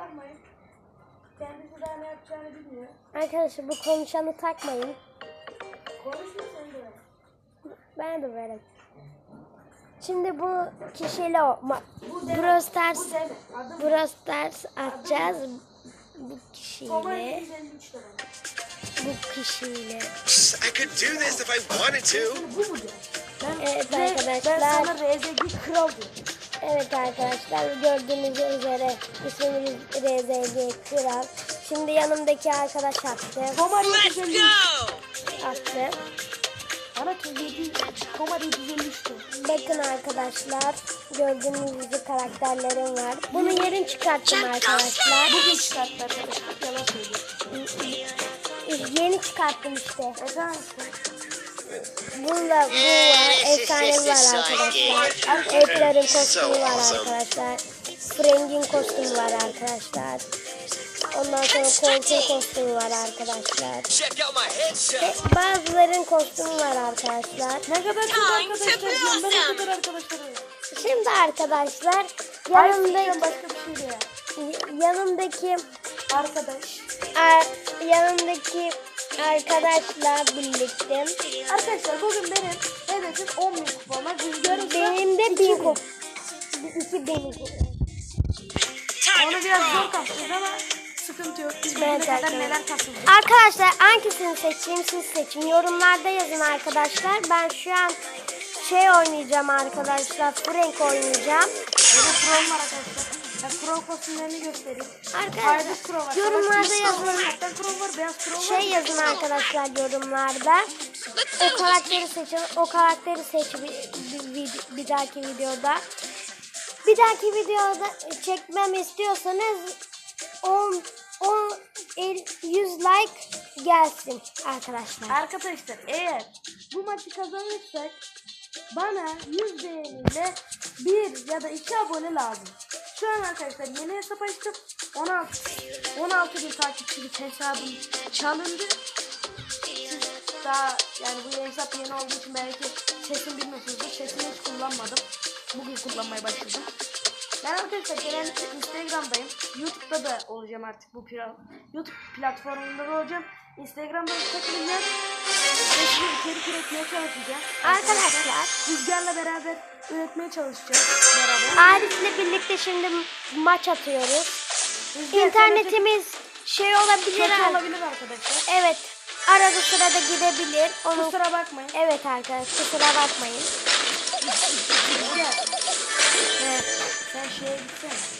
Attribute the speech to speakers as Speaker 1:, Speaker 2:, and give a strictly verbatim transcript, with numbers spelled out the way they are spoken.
Speaker 1: takmayın. Kendisi daha ne yapacağını bilmiyor.
Speaker 2: Arkadaşlar bu konuşanı takmayın.
Speaker 1: Konuşma sen de.
Speaker 2: Ben de vereyim. Şimdi bu kişiyle o ma-
Speaker 1: Bu deme.
Speaker 2: Brawl Stars
Speaker 1: Bu deme. Adım
Speaker 2: Brawl Stars atacağız. Bu
Speaker 1: Komar
Speaker 2: kişiyle
Speaker 1: yüz elli üç lira.
Speaker 2: bu kişiyle.
Speaker 3: I could do this if I wanted to.
Speaker 1: Bu mu diyor? Ben,
Speaker 2: Evet
Speaker 1: ben,
Speaker 2: arkadaşlar.
Speaker 1: Ben sana R Z G kral diyorum.
Speaker 2: Evet arkadaşlar gördüğünüz üzere ismimiz R Z G Kral. Şimdi yanımdaki arkadaş attı.
Speaker 1: Komar yedi yüz elli üç.
Speaker 2: Attı.
Speaker 1: Bana yedi. Komar yedi yüz elli üç diyor.
Speaker 2: Bakın arkadaşlar gördüğünüz gibi karakterlerim var. Bunu yerin çıkarttım arkadaşlar.
Speaker 1: Bugün çıkarttı arkadaşlar. Yalan söylüyor.
Speaker 2: Yeni çıkarttım işte.
Speaker 1: Efendim işte.
Speaker 2: Bunda bu var. Efsane var arkadaşlar. Edgar'ın kostümü var arkadaşlar. Frank'in kostümü var arkadaşlar. Ondan sonra Colt'un kostümü var arkadaşlar.
Speaker 3: Check out my headshot.
Speaker 2: Ve bazıların kostümü var arkadaşlar.
Speaker 1: Ne kadar çok arkadaşlar diyorum. Ben ne kadar arkadaşlarım.
Speaker 2: Şimdi arkadaşlar
Speaker 1: Yanımda
Speaker 2: yanımdaki
Speaker 1: başka bir şey ya.
Speaker 2: yanımdaki
Speaker 1: Arkadaş.
Speaker 2: ar, yanımdaki arkadaşla birlikte
Speaker 1: Arkadaşlar bugün benim hedefim on bin kupama. Rüzgarım
Speaker 2: benim de bin kup iki bin kup.
Speaker 1: Onu biraz zor kapacağız ama sıkıntı yok. Biz bugüne
Speaker 2: Evet,
Speaker 1: kadar
Speaker 2: arkadaşlar.
Speaker 1: neler kasıldık.
Speaker 2: Arkadaşlar hangisini seçeyim siz seçin. Yorumlarda yazın arkadaşlar. Ben şu an şey oynayacağım arkadaşlar. Frank oynayacağım.
Speaker 1: Burada pro var arkadaşlar. Ben pro kostümlerini göstereyim.
Speaker 2: Arkadaşlar
Speaker 1: Ayrıca pro var.
Speaker 2: yorumlarda
Speaker 1: Savaş
Speaker 2: yazın.
Speaker 1: pro var, Kaptan pro var. Beyaz pro var.
Speaker 2: Şey yazın arkadaşlar yorumlarda. O karakteri seçin. O karakteri seç bir, bir, bir, bir dahaki videoda. Bir dahaki videoda çekmem istiyorsanız on, on, yüz like gelsin arkadaşlar.
Speaker 1: Arkadaşlar eğer bu maçı kazanırsak bana yüz beğeniyle bir ya da iki abone lazım. Şu an arkadaşlar yeni hesap açtım. on altı on altı bin takipçilik hesabım çalındı. Siz daha yani bu hesap yeni olduğu için belki sesini bilmiyorsunuzdur. Sesini hiç kullanmadım. Bugün kullanmaya başladım. Ben arkadaşlar genellikle Instagram'dayım. YouTube'da da olacağım artık bu pla YouTube platformunda da olacağım. Instagram'da takılacağım. Ve size içerik üretmeye çalışacağım.
Speaker 2: Arkadaşlar
Speaker 1: Rüzgar'la beraber üretmeye çalışacağız. Beraber.
Speaker 2: Arif'le birlikte şimdi maç atıyoruz.
Speaker 1: Rüzgar,
Speaker 2: İnternetimiz şey olabilir.
Speaker 1: kötü
Speaker 2: ar-
Speaker 1: olabilir arkadaşlar.
Speaker 2: Evet. Arada sırada gidebilir. Onu
Speaker 1: Kusura bakmayın.
Speaker 2: evet arkadaşlar kusura bakmayın.
Speaker 1: Rüzgar
Speaker 2: Evet.
Speaker 1: sen şeye gitsene.